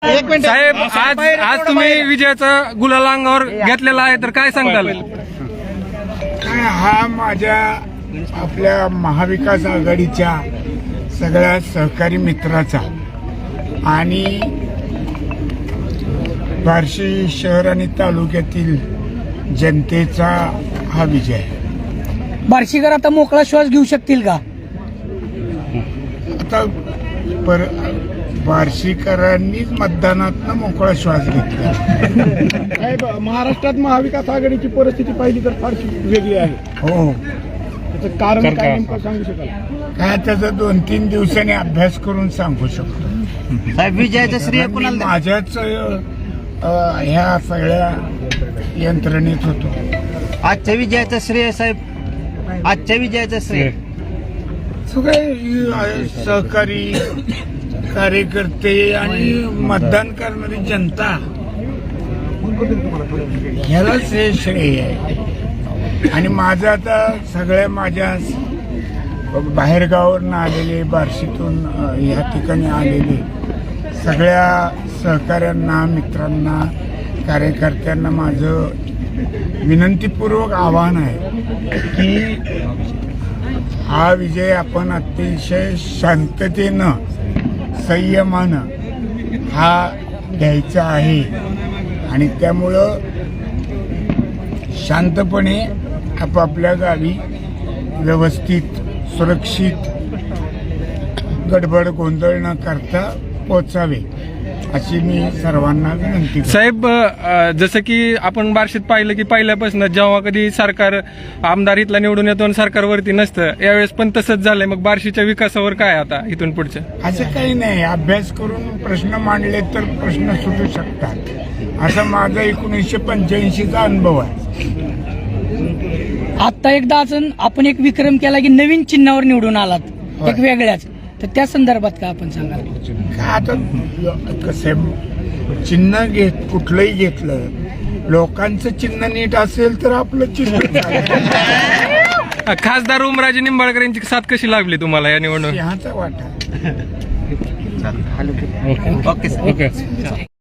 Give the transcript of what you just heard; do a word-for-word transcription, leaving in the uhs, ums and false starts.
साहेब आज आज तुम्ही विजयाचा गुलाल अंगावर घेतलेला आहे तर काय सांगताल? हा माझ्या आपल्या महाविकास आघाडीच्या सगळ्या सहकारी मित्राचा आणि बार्शी शहर आणि तालुक्यातील जनतेचा हा विजय आहे. बार्शीकर आता मोकळा श्वास घेऊ शकतील का? आता पर बार्शीकरांनीच मतदानातनं मोकळा श्वास घेतला. साहेब, महाराष्ट्रात महाविकास आघाडीची परिस्थिती पाहिली तर फारशी वेगळी आहे. हो, त्याचं कारण काय नेमकं सांगू शकाल? काय त्याचा दोन तीन दिवसांनी अभ्यास करून सांगू शकतो. साहेब, विजयाचं श्रेय मी कुणाला? माझ्याच अ, ह्या सगळ्या यंत्रणेत होतो. आजच्या विजयाचं श्रेय साहेब, आजच्या विजयाचं श्रेय सगळे अ, सहकारी कार्यकर्ते आणि मतदान करणारी जनता ह्यालाच हे श्रेय आहे. आणि माझं आता सगळ्या माझ्या बाहेरगावावरून आलेले, बार्शीतून अ, ह्या ठिकाणी आलेले सगळ्या सहकाऱ्यांना, मित्रांना, कार्यकर्त्यांना माझं विनंतीपूर्वक आवाहन आहे की हा विजय आपण अतिशय शांततेनं, संयमानं हा घ्यायचा आहे. आणि त्यामुळं शांतपणे आपापल्या गावी व्यवस्थित, सुरक्षित, गडबड गोंधळ न करता पोचावे अशी मी सर्वांना विनंती करतो. साहेब अ, जसं की आपण बार्शीत पाहिलं की पहिल्यापासून जेव्हा कधी सरकार आमदार इथला निवडून येतो आणि सरकारवरती नसतं, यावेळेस पण तसंच झालंय. मग बार्शीच्या विकासावर काय आता इथून पुढचं? असं काही नाही, अभ्यास करून प्रश्न मांडले तर प्रश्न सुटू शकतात असा माझा एकोणीसशे पंच्याऐंशीचा अनुभव आहे. आता एकदा अजून आपण एक विक्रम केला की नवीन चिन्हावर निवडून आलात, एक वेगळ्याच, तर त्या संदर्भात काय आपण सांगाल? का आता कसं चिन्ह घेत कुठलंही घेतलं, लोकांचं चिन्ह नीट असेल तर आपलं चिन्ह खासदार उमराजे निंबाळकर यांची साथ कशी लागली तुम्हाला या निवडणुकीत? सिंहाचा वाटा. ओके. ओके.